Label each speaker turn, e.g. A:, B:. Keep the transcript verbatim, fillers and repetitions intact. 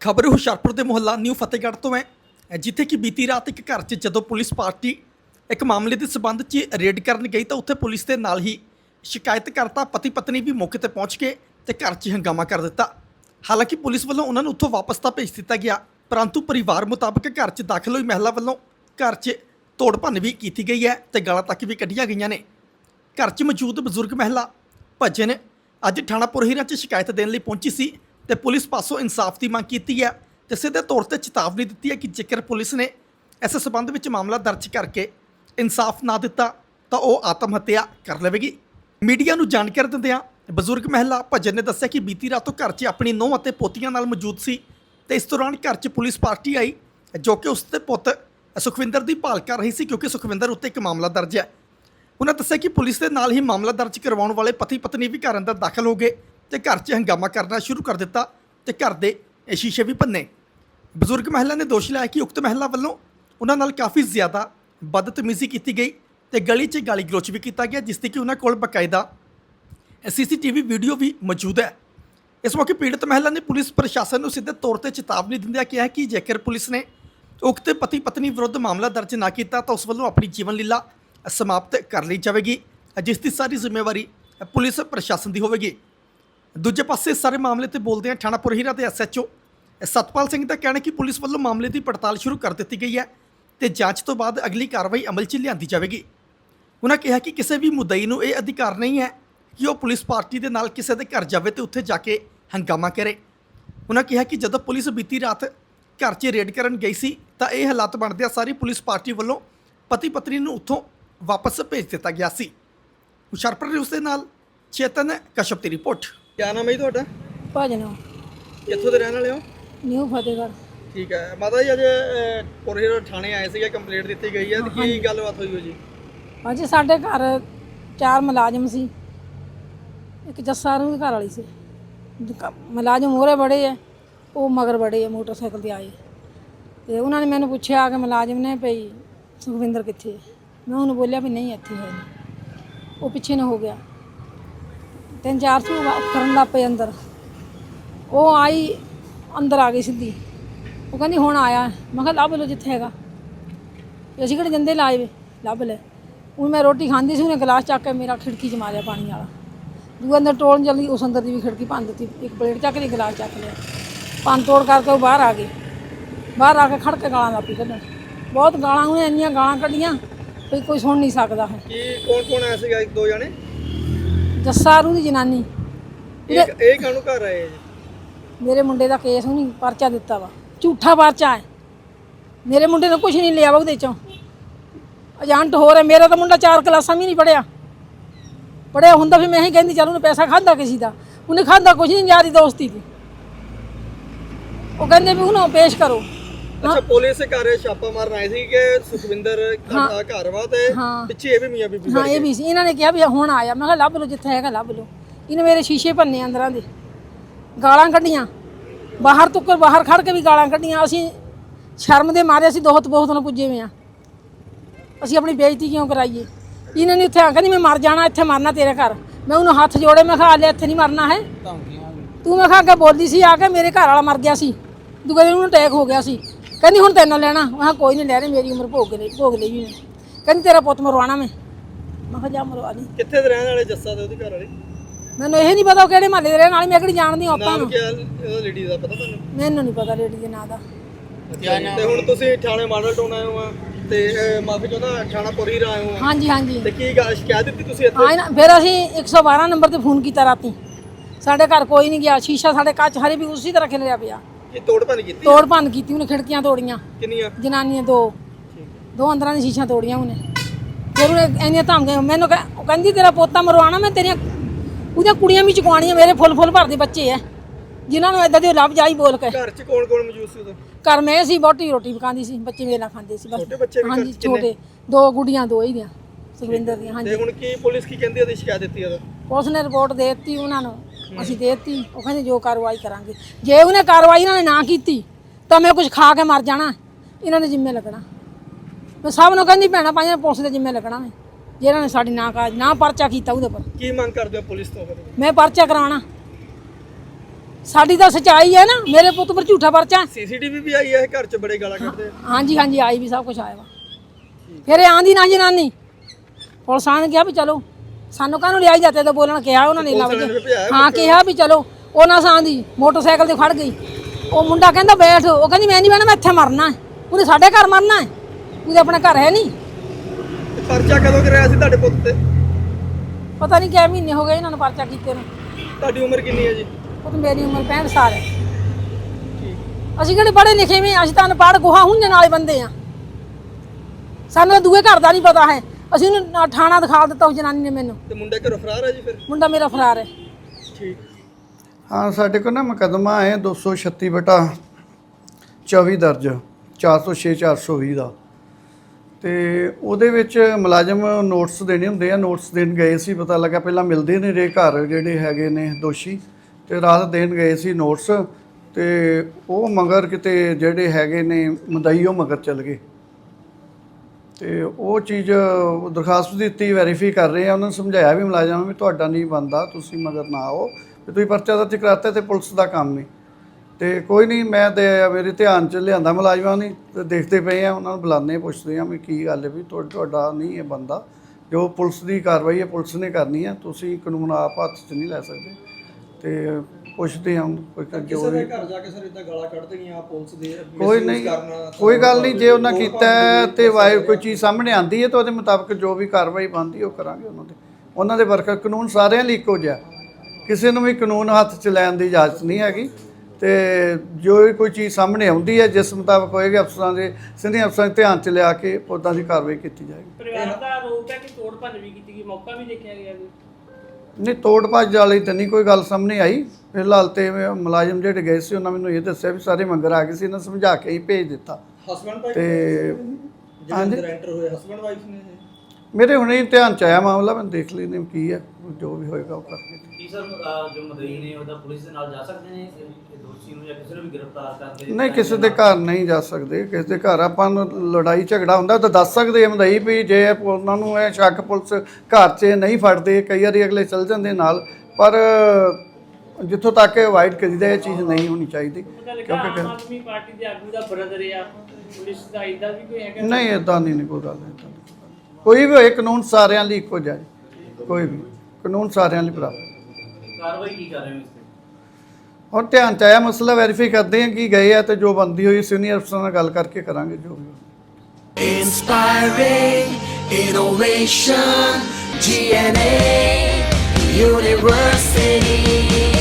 A: खबर हुशियारपुर के मुहल्ला न्यू फतेहगढ़ तो है जिथे कि बीती रात एक घर च जदों पुलिस पार्टी एक मामले के संबंध च रेड करन गई तो उत्थे पुलिस के नाल ही शिकायतकर्ता पति पत्नी भी मौके पर पहुँच के ते घर च हंगामा कर दिता। हालांकि पुलिस वालों उन्होंने उत्थों वापस तो भेज दिता गया, परंतु परिवार मुताबिक घर च दाखिल हुई महिला वालों घर च तोड़ भन्न भी की गई है तो गालां तक भी कढ़िया गई ने। घर च मौजूद बजुर्ग महिला भजन अज थाणा पुरहीरा च शिकायत देने लई पहुंची सी ते पुलिस पासों इंसाफ की मांग की है तो सीधे तौर पर चेतावनी दी है कि जेकर पुलिस ने इस संबंध में मामला दर्ज करके इंसाफ ना दिता तो वह आत्म हत्या कर लेगी। मीडिया को जानकारी दिंदियां बजुर्ग महिला भजन ने दस्सिया कि बीती रातों घर च अपनी नूंह और पोतियां नाल मौजूद सी ते इस दौरान घर च पुलिस पार्टी आई जो कि उसके पुत सुखविंदर की भाल कर रही सी क्योंकि सुखविंदर उत्ते एक मामला दर्ज है। उन्होंने दस्सिया कि पुलिस के नाल ही मामला दर्ज करवाने वाले पति पत्नी भी घर अंदर दाखिल हो गए तो घर च हंगामा करना शुरू कर दिता तो घर के शीशे भी भन्ने। बजुर्ग महिला ने दोष लाया कि उक्त महिला वालों उन्होंने नाल काफ़ी ज़्यादा बदतमीजी की गई तो गली च गाली गलोच भी किया गया जिसकी कि उन्होंने कोल बकायदा C C T V video भी मौजूद है। इस मौके पीड़ित महिला ने पुलिस प्रशासन को सीधे तौर पर चेतावनी दिंदिया कहा कि जेकर पुलिस ने उक्त पति पत्नी विरुद्ध मामला दर्ज ना किया तो उस वालों अपनी जीवन लीला समाप्त कर ली जाएगी जिसकी सारी जिम्मेवारी पुलिस प्रशासन की होगी। दूजे पासे इस सारे मामले पर बोलते हैं थाणा पुरहीरा के S H O Satpal Singh का कहना कि पुलिस वालों मामले की पड़ताल शुरू कर दी गई है तो जांच तो बाद अगली कार्रवाई अमल च लियांदी जाएगी। उन्होंने कहा कि किसी भी मुद्दई को यह अधिकार नहीं है कि वह पुलिस पार्टी के नाल किसी के घर जाए तो उत्थे जाके हंगामा करे। उन्होंने कहा कि जब पुलिस बीती रात घर च रेड करन गई सी तो यह हालात बनदे सारी पुलिस पार्टी वालों पति पत्नी को उत्थों वापस भेज दिता गया सी। हुशियारपुर न्यूज़ के नाल चेतन कश्यप की रिपोर्ट। क्या नाम है तुहाडा?
B: भजन
A: कित्थों दे रहण वाले हो?
B: न्यू फतेहगढ़।
A: ठीक है माता जी, अज पुरहीरा थाने आए थे, कंप्लेंट दी गई है, की गलबात हुई हो जी?
B: अज साढ़े घर चार मुलाजम सी, एक जस्सा रू घर वाली सी। मुलाजम मोहरे बड़े है, वो मगर बड़े है मोटरसाइकिल से आए तो उन्होंने मैंने पूछा कि मुलाजम ने भई सुखविंदर कित्थे है? मैं उन्होंने बोलिया भी नहीं इत्थे है, वो पिछे न हो गया। तीन चार सौ करन लग पे अंदर, वो आई अंदर आ गई सीधी, वो कहती हुण आया। मैं कहा लभ लो जिथे हैगा, असीं किहड़े जंदे लाए वे, लभ ले। हूँ मैं रोटी खाती सी, उन्हें गिलास चक के मेरा खिड़की च मारिया पानी वाला। दूए अंदर टोलन चली, उस अंदर की भी खिड़की भन दी, एक प्लेट चक ली, गिलास चक लिया, भन तोड़ करके वो बाहर आ गई। बाहर आके खड़ के गालां लग पई कड्ढण, बहुत गालां, उन्हें इन्नियां गालां कड्ढियां भी कोई सुन नहीं सकता है।
A: कौन कौन आया सीगा? एक दो जने?
B: जस्सा रू दी जनानी।
A: एक एक कानू घर आए जी?
B: मेरे मुंडे का केस उन्हें परचा दिता वा, झूठा परचा है। मेरे मुंडे ने कुछ नहीं लिया वा उहदे चों, एजेंट हो रहा। मेरा तो मुंडा चार क्लासा भी नहीं पढ़िया, पढ़िया हुंदा फिर मैं ही कहती चल उन्हें पैसा खादा किसी का, उन्हें खादा कुछ नहीं, यारी दोस्ती थी। वो कहते भी उन्होंने पेश करो।
A: अच्छा, पुलिस घर छापा मारन आए थे कि सुखविंदर घर वा ते पिछे ये भी मियां बीबी?
B: हाँ ये भी सी। इन्होंने कहा भी हुण आया। मैं कहा लभ लो जिथे हैगा लभ लो। इन्हें मेरे शीशे भन्ने अंदरां दे, गालां कड्ढियां, बाहर तुक्कर बाहर खड़ के भी गालां कड्ढियां। असीं शर्म दे मारे असीं दोहत बहुत न पुज्जे हुए हाँ, असीं अपनी बेइज्जती क्यों कराइए। इन्होंने उत्थे आखिया मैं मर जाना, इत्थे मरना तेरे घर। मैं उन्होंने हत्थ जोड़े, मैं कहा ले इत्थे नहीं मरना है तू। मैं कहा अगे बोली सी आके मेरे घर वाला मर गया सी, दूसरे दिन उन्होंने अटैक हो गया सी। कहती हुण तैनों लेना? मैं कहा कोई नहीं ले रही, मेरी उम्र भोग ले भोग ली भी मैं। कहती तेरा पुत मरवाना मैं। मैं कहा जा मरवा ली।
A: कित्थे दे रहण वाले जस्सा ते ओहदी घर वाली?
B: मैनूं यह नहीं पता वो किहड़े महल्ले दे रहण वाले, मैं किहड़ी जाणदी आपां
A: नाम
B: नूं।
A: क्या ओह लेडी दा पता तुहानूं?
B: मैनूं नहीं पता लेडी दे नाम दा।
A: ते हुण तुसीं थाणे मॉडल टाउन आए हो ते माफी चाहुंदा थाणा पुरहीरा आए हो?
B: हाँ जी हाँ जी।
A: ते की गल शिकायत दित्ती तुसीं इत्थे?
B: हाँ ना, फिर असीं एक सौ बारह नंबर ते फोन किया राती, साढ़े घर कोई नहीं गया। शीशा साढ़े कच हरे भी उसी तरह खिलरिया पिया।
A: की तोड़ भन्न कीती?
B: तोड़ भन्न की उन्हें, खिड़कियां तोड़ियां।
A: किन्नियां?
B: जनानियां दो दो अंदर दी शीशा तोड़ियां उन्हें। फिर उन्हें इन्नियां धमकियां, मैनूं कहंदी तेरा पोता मरवाना मैं, तेरियां उहदियां कुड़ियां भी चुकवाणियां। मेरे फुल फुल भरदे बच्चे है जिन्होंने इदां दी लभ जाई बोल के।
A: घर च कौन कौन मौजूद सी उदों? घर
B: मैं सी, बोटी रोटी पकांदी सी, बच्चे मेरे नाल खांदे सी बस।
A: छोटे बच्चे भी?
B: हाँ जी छोटे, दो गुड़ियां दो ही दियां सुखविंदर दियां। हाँ
A: ते
B: जी।
A: हुण की पुलिस की कहंदी ओहदी शिकायत दित्ती उदों?
B: पुलिस ने रिपोर्ट दे दी उन्होंने, असीं दे दी। वो कहंदे जो कार्रवाई करांगे, जे उन्हें कार्रवाई इन्होंने ना की तो मैं कुछ खा के मर जाना, इन्होंने जिम्मे लगना। मैं सब नूं कहंदी भैणां भाईयां पुलिस दे जिम्मे लगना मैं, जे इन्होंने साडी ना का ना परचा कीता उहदे पर।
A: की मंग करदे हो पुलिस तो?
B: मैं परचा कराना ਸਾਡੀ ਤਾਂ ਸੱਚਾਈ ਹੈ ਨਾ, ਮੇਰੇ ਪੁੱਤ ਪਰ ਝੂਠਾ ਪਰਚਾ।
A: ਸੀਸੀਟੀਵੀ ਵੀ ਆਈ ਹੈ ਘਰ 'ਚ ਬੜੇ ਗਾਲਾਂ ਕੱਢਦੇ।
B: ਹਾਂਜੀ ਹਾਂਜੀ ਆਈ ਵੀ ਸਭ ਕੁਝ ਆਇਆ ਵਾ। ਫਿਰ ਇਹ ਆਂਦੀ ਨਾ ਜਨਾਨੀ ਪੁਲਿਸ ਆਣ ਕਿਹਾ ਵੀ ਚਲੋ ਸਾਨੂੰ ਕਾਹਨੂੰ ਲਿਆਈ ਜਾਂਦੇ ਤਾਂ ਬੋਲਣ ਕਿਹਾ ਉਹਨਾਂ ਨੇ। ਹਾਂ ਕਿਹਾ ਵੀ ਚਲੋ, ਉਹਨਾਂ ਸਾਂ ਦੀ ਮੋਟਰਸਾਈਕਲ ਤੇ ਖੜ ਗਈ। ਉਹ ਮੁੰਡਾ ਕਹਿੰਦਾ ਬੈਠ, ਉਹ ਕਹਿੰਦੀ ਮੈਂ ਨਹੀਂ ਬਹਿਣਾ, ਮੈਂ ਇੱਥੇ ਮਰਨਾ ਹੈ। ਉਹਨੇ ਸਾਡੇ ਘਰ ਮਰਨਾ ਹੈ, ਉਹਦੇ ਆਪਣਾ ਘਰ ਹੈ ਨਹੀਂ।
A: ਪਰਚਾ ਕਦੋਂ ਕਰਾਇਆ ਸੀ ਤੁਹਾਡੇ ਪੁੱਤ ਤੇ?
B: ਪਤਾ ਨਹੀਂ ਕਿੰਨੇ ਮਹੀਨੇ ਹੋ ਗਏ ਇਹਨਾਂ ਨੂੰ ਪਰਚਾ ਕੀਤੇ ਨੂੰ।
A: ਤੁਹਾਡੀ ਉਮਰ ਕਿੰਨੀ ਹੈ ਜੀ?
B: ਉਹ ਤਾਂ ਮੇਰੀ ਉਮਰ ਪੈਂਹਠ ਸਾਲ ਹੈ। ਅਸੀਂ ਕਿਹੜੇ ਪੜ੍ਹੇ ਲਿਖੇ ਵੀ, ਅਸੀਂ ਤਾਂ ਅਨਪੜ੍ਹ ਗੋਹਾ ਹੁੰਝਣ ਵਾਲੇ ਬੰਦੇ ਆ। ਸਾਨੂੰ ਤਾਂ ਦੂਏ ਘਰ ਦਾ ਨਹੀਂ ਪਤਾ ਹੈ। ਅਸੀਂ ਉਹਨੂੰ ਥਾਣਾ ਦਿਖਾ ਦਿੱਤਾ ਉਸ ਜਨਾਨੀ ਨੇ ਮੈਨੂੰ।
A: ਤੇ ਮੁੰਡਾ ਘਰੋਂ ਫਰਾਰ ਹੈ ਜੀ? ਫਿਰ ਮੁੰਡਾ
B: ਮੇਰਾ ਫਰਾਰ ਹੈ।
A: ਠੀਕ।
C: ਹਾਂ, ਸਾਡੇ ਕੋਲ ਨਾ ਮੁਕੱਦਮਾ ਹੈ ਦੋ ਸੌ ਛੱਤੀ ਬਟਾ ਚੌਵੀ ਦਰਜ, ਚਾਰ ਸੌ ਛੇ ਚਾਰ ਸੌ ਵੀਹ ਦਾ। ਤੇ ਉਹਦੇ ਵਿੱਚ ਮੁਲਾਜ਼ਮ ਨੋਟਿਸ ਦੇਣੇ ਹੁੰਦੇ ਆ। ਨੋਟਿਸ ਦੇਣ ਗਏ ਸੀ, ਪਤਾ ਲੱਗਾ ਪਹਿਲਾਂ ਮਿਲਦੇ ਨੇ ਰੇ ਘਰ ਜਿਹੜੇ ਹੈਗੇ ਨੇ ਦੋਸ਼ੀ, ਤੇ ਰਾਤ ਦੇਣ ਗਏ ਸੀ ਨੋਟਿਸ। ਤੇ ਉਹ ਮਗਰ ਕਿਤੇ ਜਿਹੜੇ ਹੈਗੇ ਨੇ ਮਦਈ ਉਹ ਮਗਰ ਚੱਲ ਗਏ। ਤੇ ਉਹ ਚੀਜ਼ ਦਰਖਾਸਤ ਦਿੱਤੀ, ਵੈਰੀਫਾਈ ਕਰ ਰਹੇ ਆ। ਉਹਨਾਂ ਨੂੰ ਸਮਝਾਇਆ ਵੀ ਮੁਲਾਜ਼ਮ ਵੀ ਤੁਹਾਡਾ ਨਹੀਂ ਬਣਦਾ, ਤੁਸੀਂ ਮਗਰ ਨਾ ਆਓ, ਵੀ ਤੁਸੀਂ ਪਰਚਾ ਦਰਜ ਕਰਾਤਾ ਤੇ ਪੁਲਿਸ ਦਾ ਕੰਮ ਨਹੀਂ। ਤੇ ਕੋਈ ਨਹੀਂ, ਮੈਂ ਤੇ ਮੇਰੇ ਧਿਆਨ 'ਚ ਲਿਆਂਦਾ ਮੁਲਾਜ਼ਮਾਂ ਨੇ, ਤੇ ਦੇਖਦੇ ਪਏ ਆ, ਉਹਨਾਂ ਨੂੰ ਬੁਲਾਉਂਦੇ ਪੁੱਛਦੇ ਆ ਵੀ ਕੀ ਗੱਲ ਹੈ, ਵੀ ਤੁਹਾ ਤੁਹਾਡਾ ਨਹੀਂ ਇਹ ਬੰਦਾ। ਜੋ ਪੁਲਿਸ ਦੀ ਕਾਰਵਾਈ ਹੈ ਪੁਲਿਸ ਨੇ ਕਰਨੀ ਹੈ, ਤੁਸੀਂ ਕਾਨੂੰਨ ਆਪ ਹੱਥ 'ਚ ਨਹੀਂ ਲੈ ਸਕਦੇ। ਤੇ ਪੁੱਛਦੇ ਆ ਕੋਈ
A: ਕਿਸੇ ਦੇ ਘਰ ਜਾ ਕੇ ਸਰ ਇਦਾਂ ਗਾਲਾਂ ਕੱਢ ਦੇਣੀਆਂ ਪੁਲਿਸ ਦੇ,
C: ਕੋਈ ਨਹੀਂ, ਕੋਈ ਗੱਲ ਨਹੀਂ। ਜੇ ਉਹਨਾਂ ਕੀਤਾ ਤੇ ਵਾਏ ਕੋਈ ਚੀਜ਼ ਸਾਹਮਣੇ ਆਉਂਦੀ ਹੈ ਤਾਂ ਉਹਦੇ ਮੁਤਾਬਕ ਜੋ ਵੀ ਕਾਰਵਾਈ ਬਣਦੀ ਉਹ ਕਰਾਂਗੇ ਉਹਨਾਂ ਦੇ। ਉਹਨਾਂ ਦੇ ਵਰਕਰ ਕਾਨੂੰਨ ਸਾਰਿਆਂ ਲਈ ਇੱਕੋ ਜਿਹਾ, ਕਿਸੇ ਨੂੰ ਵੀ ਕਾਨੂੰਨ ਹੱਥ 'ਚ ਲੈਣ ਦੀ ਇਜਾਜ਼ਤ ਨਹੀਂ ਹੈਗੀ। ਤੇ ਜੋ ਵੀ ਕੋਈ ਚੀਜ਼ ਸਾਹਮਣੇ ਆਉਂਦੀ ਹੈ ਜਿਸ ਮੁਤਾਬਕ ਹੋਏਗਾ, ਅਫਸਰਾਂ ਦੇ ਸੀਨੀਅਰ ਅਫਸਰਾਂ ਦੇ ਧਿਆਨ 'ਚ ਲਿਆ ਕੇ ਉੱਦਾਂ ਦੀ ਕਾਰਵਾਈ ਕੀਤੀ ਜਾਏਗੀ।
D: ਪਰਿਵਾਰ ਦਾ ਆਰੋਪ ਹੈ ਕਿ ਤੋੜ ਭੰਨ ਵੀ ਕੀਤੀ ਗਈ, ਮੌਕਾ ਵੀ ਦੇਖਿਆ ਗਿਆ ਜੀ?
C: ਨਹੀਂ, ਤੋੜ ਭੱਜ ਵਾਲੀ ਤਾਂ ਨਹੀਂ ਕੋਈ ਗੱਲ ਸਾਹਮਣੇ ਆਈ ਫਿਲਹਾਲ। ਤੇ ਮੁਲਾਜ਼ਮ ਜਿਹੜੇ ਗਏ ਸੀ ਉਹਨਾਂ ਮੈਨੂੰ ਇਹ ਦੱਸਿਆ ਵੀ ਸਾਰੇ ਮੰਗਰ ਆ ਗਏ ਸੀ, ਇਹਨਾਂ ਸਮਝਾ ਕੇ ਹੀ ਭੇਜ ਦਿੱਤਾ।
A: ਹਸਬੈਂਡ
C: ਤੇ
A: ਹਾਂਜੀ ਐਂਟਰ ਹੋਏ ਹਸਬੈਂਡ ਵਾਈਫ ਨੇ
C: ਮੇਰੇ ਹੁਣੇ ਹੀ ਧਿਆਨ 'ਚ ਆਇਆ ਮਾਮਲਾ, ਮੈਂ ਦੇਖ ਲੈਂਦੇ ਕੀ ਹੈ, ਜੋ ਵੀ ਹੋਏਗਾ ਉਹ ਕਰਕੇ।
D: ਕੀ ਸਰ ਜੋ ਮਦਈ ਨੇ ਉਹਦਾ ਪੁਲਿਸ ਦੇ ਨਾਲ ਜਾ ਸਕਦੇ ਨੇ ਇਹ ਦੋਸ਼ੀ ਨੂੰ, ਜਾਂ ਕਿਸੇ ਨੂੰ ਵੀ ਗ੍ਰਿਫਤਾਰ ਕਰਦੇ?
C: ਨਹੀਂ, ਕਿਸੇ ਦੇ ਘਰ ਨਹੀਂ ਜਾ ਸਕਦੇ। ਕਿਸੇ ਦੇ ਘਰ ਆਪਾਂ ਨੂੰ ਲੜਾਈ ਝਗੜਾ ਹੁੰਦਾ ਤਾਂ ਦੱਸ ਸਕਦੇ ਆ ਮਦਈ ਵੀ, ਜੇ ਉਹਨਾਂ ਨੂੰ ਇਹ ਸ਼ੱਕ ਪੁਲਿਸ ਘਰ 'ਚ ਨਹੀਂ ਫੜਦੇ, ਕਈ ਵਾਰੀ ਅਗਲੇ ਚੱਲ ਜਾਂਦੇ ਨਾਲ, ਪਰ ਜਿੱਥੋਂ ਤੱਕ ਅਵਾਇਡ ਕਰੀਦਾ ਇਹ ਚੀਜ਼ ਨਹੀਂ ਹੋਣੀ ਚਾਹੀਦੀ।
D: ਕਿਉਂਕਿ ਆਮ ਆਦਮੀ ਪਾਰਟੀ ਦੇ ਆਗੂ ਦਾ ਬ੍ਰਦਰ ਆ, ਪੁਲਿਸ ਦਾ ਇਦਾਂ ਵੀ ਕੋਈ ਹੈਗਾ?
C: ਨਹੀਂ, ਇਦਾਂ ਨਹੀਂ ਕੋਈ ਗੱਲ। ਇੱਦਾਂ ਕੋਈ ਵੀ ਹੋਏ, ਕਾਨੂੰਨ ਸਾਰਿਆਂ ਲਈ ਇੱਕੋ ਜਿਹਾ, ਕੋਈ ਵੀ ਕਾਨੂੰਨ ਸਾਰਿਆਂ ਲਈ ਬਰਾਬਰ।
D: ਕਾਰਵਾਈ ਕੀ ਕਰ ਰਹੇ ਹੋ ਇਸ ਤੇ?
C: ਹੁਣ ਧਿਆਨ 'ਚ ਆਇਆ ਮਸਲਾ, ਵੈਰੀਫਾਈ ਕਰਦੇ ਹਾਂ ਕੀ ਗਏ ਆ, ਤੇ ਜੋ ਬੰਦੀ ਹੋਈ ਸੀਨੀਅਰ ਅਫਸਰਾਂ ਨਾਲ ਗੱਲ ਕਰਕੇ ਕਰਾਂਗੇ ਜੋ ਵੀ।
E: Inspiring innovation, G N A University.